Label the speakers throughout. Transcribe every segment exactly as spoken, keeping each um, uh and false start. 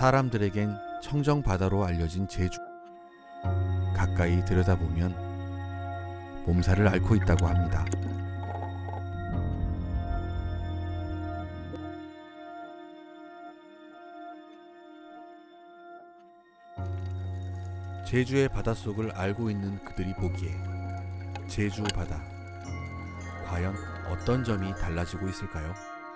Speaker 1: 사람들에겐 청정 바다로 알려진 제주. 가까이 들여다보면 몸살을 앓고 있다고 합니다. 제주의 바닷속을 알고 있는 그들이 보기에 제주 바다, 과연 어떤 점이 달라지고 있을까요?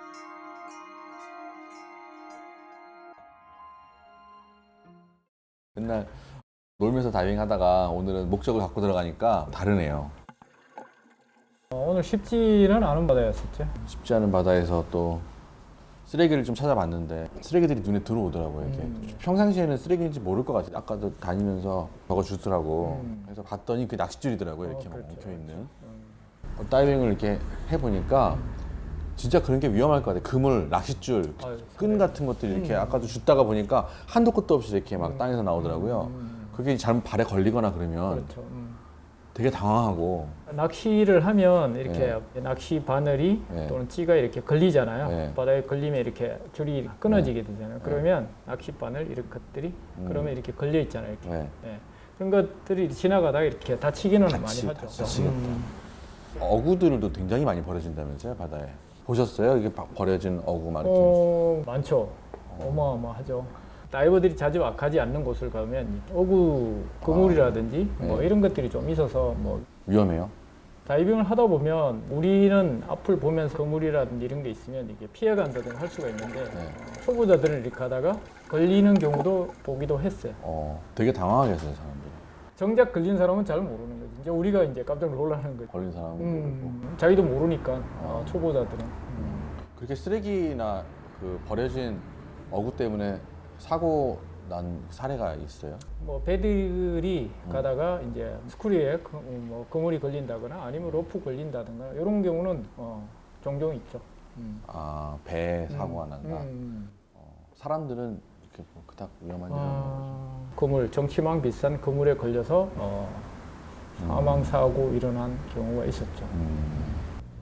Speaker 2: 맨날 놀면서 다이빙 하다가 오늘은 목적을 갖고 들어가니까 다르네요.
Speaker 3: 어, 오늘 쉽지는 않은 바다였었죠.
Speaker 2: 쉽지 않은 바다에서 또 쓰레기를 좀 찾아봤는데 쓰레기들이 눈에 들어오더라고요. 이렇게.
Speaker 3: 음.
Speaker 2: 평상시에는 쓰레기인지 모를 것 같아요. 아까도 다니면서 적어주더라고.
Speaker 3: 음.
Speaker 2: 그래서 봤더니 그게 낚싯줄이더라고요. 이렇게
Speaker 3: 어,
Speaker 2: 막
Speaker 3: 그렇죠,
Speaker 2: 엉켜있는.
Speaker 3: 음.
Speaker 2: 어, 다이빙을 이렇게 해보니까 진짜 그런 게 위험할 것 같아요. 그물, 낚싯줄,
Speaker 3: 아유,
Speaker 2: 끈 같은 것들이 이렇게
Speaker 3: 음.
Speaker 2: 아까도 줍다가 보니까 한도 끝도 없이 이렇게 막
Speaker 3: 음.
Speaker 2: 땅에서 나오더라고요.
Speaker 3: 음.
Speaker 2: 그게 잘못 발에 걸리거나 그러면
Speaker 3: 그렇죠. 음.
Speaker 2: 되게 당황하고.
Speaker 3: 낚시를 하면 이렇게 낚시 바늘이
Speaker 2: 네.
Speaker 3: 또는 찌가 이렇게 걸리잖아요.
Speaker 2: 네.
Speaker 3: 바다에 걸리면 이렇게 줄이 끊어지게 되잖아요. 그러면 낚시 바늘 이런 것들이
Speaker 2: 음.
Speaker 3: 그러면 이렇게 걸려 있잖아요. 이렇게.
Speaker 2: 네.
Speaker 3: 네. 그런 것들이 지나가다가 이렇게 다치기는
Speaker 2: 다치-
Speaker 3: 많이 하죠.
Speaker 2: 다치겠다.
Speaker 3: 음.
Speaker 2: 어구들도 굉장히 많이 버려진다면서요, 바다에. 보셨어요? 이게 바- 버려진 어구 막 이렇게.
Speaker 3: 어, 많죠. 어마어마하죠. 다이버들이 자주 가지 않는 곳을 가면 어구 그물이라든지
Speaker 2: 아,
Speaker 3: 뭐
Speaker 2: 네.
Speaker 3: 이런 것들이 좀 있어서 뭐
Speaker 2: 위험해요?
Speaker 3: 다이빙을 하다 보면 우리는 앞을 보면서 그물이라든지 이런 게 있으면 이게 피해간다든지 할 수가 있는데
Speaker 2: 네.
Speaker 3: 어, 초보자들은 이렇게 하다가 걸리는 경우도 보기도 했어요.
Speaker 2: 어, 되게 당황하겠어요, 사람들이.
Speaker 3: 정작 걸린 사람은 잘 모르는 거지. 이제 우리가 이제 깜짝 놀라는 거지.
Speaker 2: 걸린 사람은 모르고.
Speaker 3: 음, 자기도 모르니까 어, 초보자들은.
Speaker 2: 그렇게 쓰레기나 그 버려진 어구 때문에 사고 난 사례가 있어요?
Speaker 3: 뭐 배들이
Speaker 2: 음.
Speaker 3: 가다가 이제 스크류에 그, 뭐 그물이 걸린다거나 아니면 로프 걸린다든가 이런 경우는 어, 종종 있죠. 음.
Speaker 2: 아, 배에 사고가 난다.
Speaker 3: 음.
Speaker 2: 어, 사람들은 이렇게 뭐 그닥 위험한 일은 없는 거죠.
Speaker 3: 아, 그물 정치망 비싼 그물에 걸려서 어,
Speaker 2: 음.
Speaker 3: 사망 사고 일어난 경우가 있었죠.
Speaker 2: 음.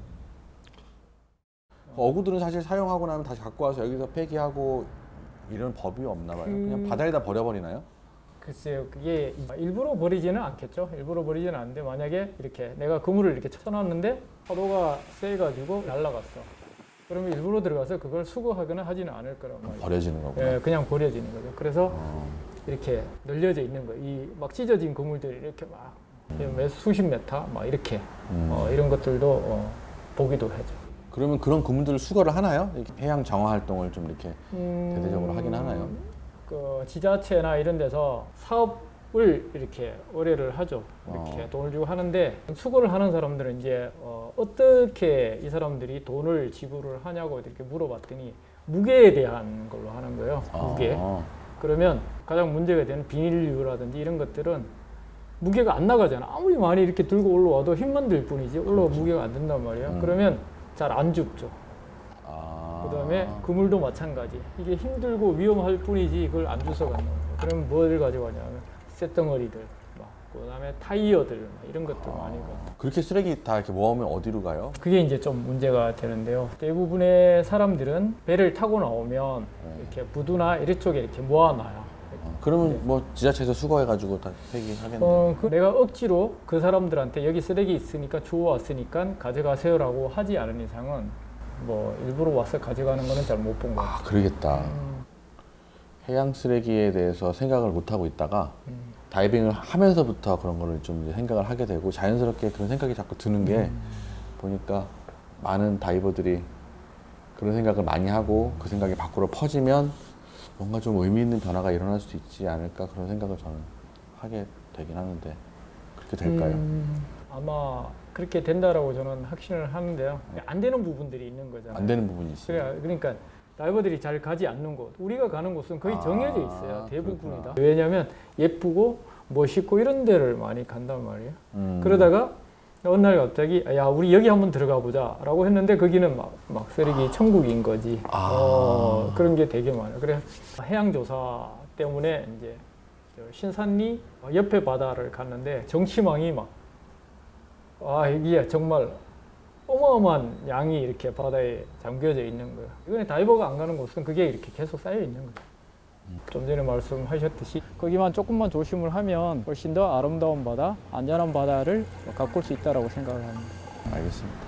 Speaker 2: 어구들은 사실 사용하고 나면 다시 갖고 와서 여기서 폐기하고 이런 법이 없나 봐요. 그냥
Speaker 3: 그-
Speaker 2: 바다에다 버려버리나요?
Speaker 3: 글쎄요, 그게 일부러 버리지는 않겠죠. 일부러 버리지는 않는데 만약에 이렇게 내가 그물을 이렇게 쳐놨는데 파도가 세가지고 날아갔어. 그러면 일부러 들어가서 그걸 수거하거나 하지는 않을 거란 말이에요.
Speaker 2: 버려지는 거구나.
Speaker 3: 예, 그냥 버려지는 거죠. 그래서
Speaker 2: 어.
Speaker 3: 이렇게 늘려져 있는 거예요. 이 막 찢어진 그물들이 이렇게 막 몇 수십 메타 막 이렇게
Speaker 2: 음.
Speaker 3: 어, 이런 것들도 어, 보기도 하죠.
Speaker 2: 그러면 그런 그물들을 수거를 하나요? 이렇게 해양 정화 활동을 좀 이렇게
Speaker 3: 음,
Speaker 2: 대대적으로 하긴 하나요?
Speaker 3: 그 지자체나 이런 데서 사업을 이렇게 의뢰를 하죠. 이렇게
Speaker 2: 어.
Speaker 3: 돈을 주고 하는데 수거를 하는 사람들은 이제 어, 어떻게 이 사람들이 돈을 지불을 하냐고 이렇게 물어봤더니 무게에 대한 걸로 하는 거예요. 무게.
Speaker 2: 아.
Speaker 3: 그러면 가장 문제가 되는 비닐류라든지 이런 것들은 무게가 안 나가잖아. 아무리 많이 이렇게 들고 올라와도 힘만 들 뿐이지 올라와 무게가 안 된단 말이에요.
Speaker 2: 음.
Speaker 3: 그러면 잘 안 줍죠.
Speaker 2: 아.
Speaker 3: 그다음에 그물도 마찬가지. 이게 힘들고 위험할 뿐이지 그걸 안 주워 간다는 거예요. 그러면 뭘 가져가냐면 쇳덩어리들, 막 그다음에 타이어들 막 이런 것들 많이 가.
Speaker 2: 그렇게 쓰레기 다 이렇게 모으면 어디로 가요?
Speaker 3: 그게 이제 좀 문제가 되는데요. 대부분의 사람들은 배를 타고 나오면 이렇게 부두나 이런 쪽에 이렇게 모아놔요.
Speaker 2: 어, 그러면 뭐 지자체에서 수거해가지고 다 폐기하겠네.
Speaker 3: 어, 그 내가 억지로 그 사람들한테 여기 쓰레기 있으니까 주워왔으니까 가져가세요라고 하지 않은 이상은 뭐 일부러 와서 가져가는 거는 잘 못 본 것 같아요.
Speaker 2: 아, 그러겠다.
Speaker 3: 음,
Speaker 2: 해양 쓰레기에 대해서 생각을 못 하고 있다가
Speaker 3: 음.
Speaker 2: 다이빙을 하면서부터 그런 거를 좀 이제 생각을 하게 되고 자연스럽게 그런 생각이 자꾸 드는 게
Speaker 3: 음.
Speaker 2: 보니까 많은 다이버들이 그런 생각을 많이 하고 그 생각이 밖으로 퍼지면 뭔가 좀 의미 있는 변화가 일어날 수 있지 않을까 그런 생각을 저는 하게 되긴 하는데 그렇게 될까요?
Speaker 3: 음, 아마 그렇게 된다라고 저는 확신을 하는데요. 안 되는 부분들이 있는 거잖아요.
Speaker 2: 안 되는 부분이 있어요.
Speaker 3: 그래, 그러니까 다이버들이 잘 가지 않는 곳, 우리가 가는 곳은 거의
Speaker 2: 아,
Speaker 3: 정해져 있어요. 대부분이 다.
Speaker 2: 그렇구나.
Speaker 3: 왜냐하면 예쁘고 멋있고 이런 데를 많이 간단 말이에요.
Speaker 2: 음.
Speaker 3: 그러다가 어느 날 갑자기 야 우리 여기 한번 들어가 보자 라고 했는데 거기는 막, 막 쓰레기 천국인 거지.
Speaker 2: 아.
Speaker 3: 어, 그런 게 되게 많아요. 그래 해양조사 때문에 이제 저 신산리 옆에 바다를 갔는데 정치망이 막 아 이게 정말 어마어마한 양이 이렇게 바다에 잠겨져 있는 거예요. 이번에 다이버가 안 가는 곳은 그게 이렇게 계속 쌓여 있는 거예요. 좀 전에 말씀하셨듯이 거기만 조금만 조심을 하면 훨씬 더 아름다운 바다, 안전한 바다를 가꿀 수 있다라고 생각을 합니다.
Speaker 2: 알겠습니다.